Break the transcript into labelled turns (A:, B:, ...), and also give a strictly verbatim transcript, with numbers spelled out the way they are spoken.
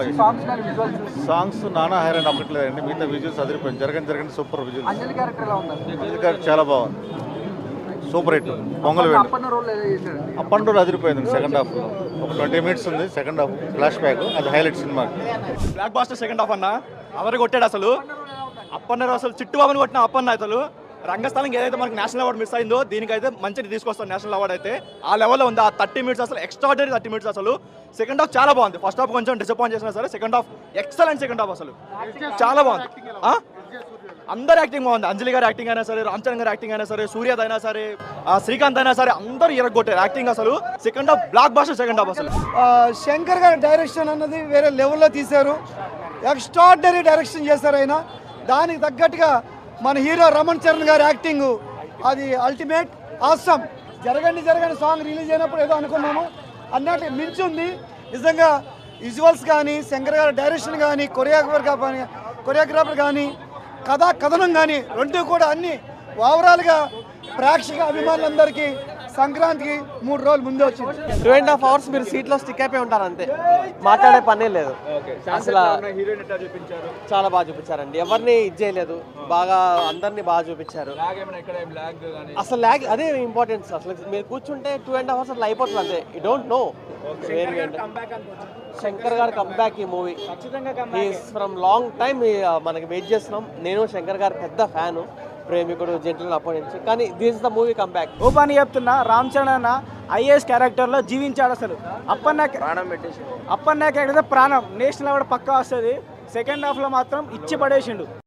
A: బాగా సాంగ్స్ నానా హైరాన్ అవ్వట్లేదండి. మిగతా విజువల్స్ అదిరిపోయింది. జరగని జరగని సూపర్ విజువల్స్. అంజలి గారు చాలా బాగుంది. Super hit. పొంగల్ వేయండి. అప్పన్ రోల్ అదిరిపోయింది. సెకండ్ హాఫ్ ఒక ట్వంటీ మినిట్స్ ఉంది. సెకండ్ హాఫ్ ఫ్లాష్ బ్యాక్, అది హైలైట్ సినిమా.
B: బ్లాక్ బాస్టర్ సెకండ్ హాఫ్ అన్న అవరు కొట్టాడు అసలు. అప్పన్నారు అసలు చిట్టుబాబుని కొట్టిన అప్పన్న అసలు రంగస్థలం ఏదైతే మనకి నేషనల్ అవార్డు మిస్ అయిందో దీనికైతే మంచిగా తీసుకొస్తాం. నేషనల్ అవార్డు అయితే ఆ లెవెల్లో ఉంది. ఆ థర్టీ మినిట్స్ అసలు ఎక్స్ట్రాడనరీ థర్టీ మినిట్స్ అసలు. సెకండ్ హాఫ్ చాలా బాగుంది. ఫస్ట్ హాఫ్ కొంచెం డిసప్పాయింట్ చేసినా సరే second half excellent. Second half అసలు చాలా బాగుంది. అందరు యాక్టింగ్ బాగుంది. అంజలి గారి యాక్టింగ్ అయినా సరే, రామ్ చరణ్ గారి యాక్టింగ్ అయినా సరే, సూర్యద్ అయినా సరే, శ్రీకాంత్ అయినా సరే, అందరూ ఇరగొట్టారు యాక్టింగ్ అసలు. Second half blockbuster second half అసలు.
C: శంకర్ గారి డైరెక్షన్ అన్నది వేరే లెవెల్లో తీశారు. ఎక్స్ట్రాడినరీ డైరెక్షన్ చేశారు ఆయన. దానికి తగ్గట్టుగా మన హీరో రమణ్ చరణ్ గారి యాక్టింగ్ అది అల్టిమేట్ ఆసమ్. జరగండి జరగండి సాంగ్ రిలీజ్ అయినప్పుడు ఏదో అనుకున్నాము అన్నట్టు మించి ఉంది నిజంగా. విజువల్స్ కానీ, శంకర్ గారి డైరెక్షన్ కానీ, కొరియోగ్రాఫర్ కానీ కొరియోగ్రాఫర్ కానీ, కథా కథనం కానీ రెండు కూడా అన్ని ఓవరాల్గా ప్రేక్షక అభిమానులందరికీ సంక్రాంతికి మూడు రోజులు ముందే వచ్చింది.
D: టూ అండ్ హాఫ్ అవర్స్ మీరు సీట్లో స్టిక్ అయిపోయి ఉంటారు అంతే, మాట్లాడే పనే లేదు. అసలు చాలా బాగా చూపించారండి. ఎవరిని ఇది చేయలేదు, బాగా అందరినీ బాగా చూపించారు. అసలు ల్యాగ్ అదే ఇంపార్టెన్స్. అసలు మీరు కూర్చుంటే టూ అండ్ హాఫ్ అవర్స్ అట్లా అయిపోతుంది అంతే. You don't know. Shankar garu comeback ఈ మూవీ ఫ్రమ్ లాంగ్ టైమ్ మనకి వెయిట్ చేస్తున్నాం. నేను శంకర్ గారు పెద్ద ఫ్యాను, ప్రేమికుడు, జెంటిల్ అప్పటి నుంచి. కానీ దిస్ ద మూవీ కంబ్యాక్.
E: ఓ పని చెప్తున్నా, రామ్ చరణ్ అన్న ఐఏఎస్ క్యారెక్టర్లో జీవించాడు అసలు. అప్పన్న
D: ప్రాణం పెట్టేసి
E: అప్పన్న క్యారెక్టర్ ప్రాణం. నేషనల్ అవార్డు పక్కా వస్తుంది. సెకండ్ హాఫ్లో మాత్రం ఇచ్చి పడేసిండు.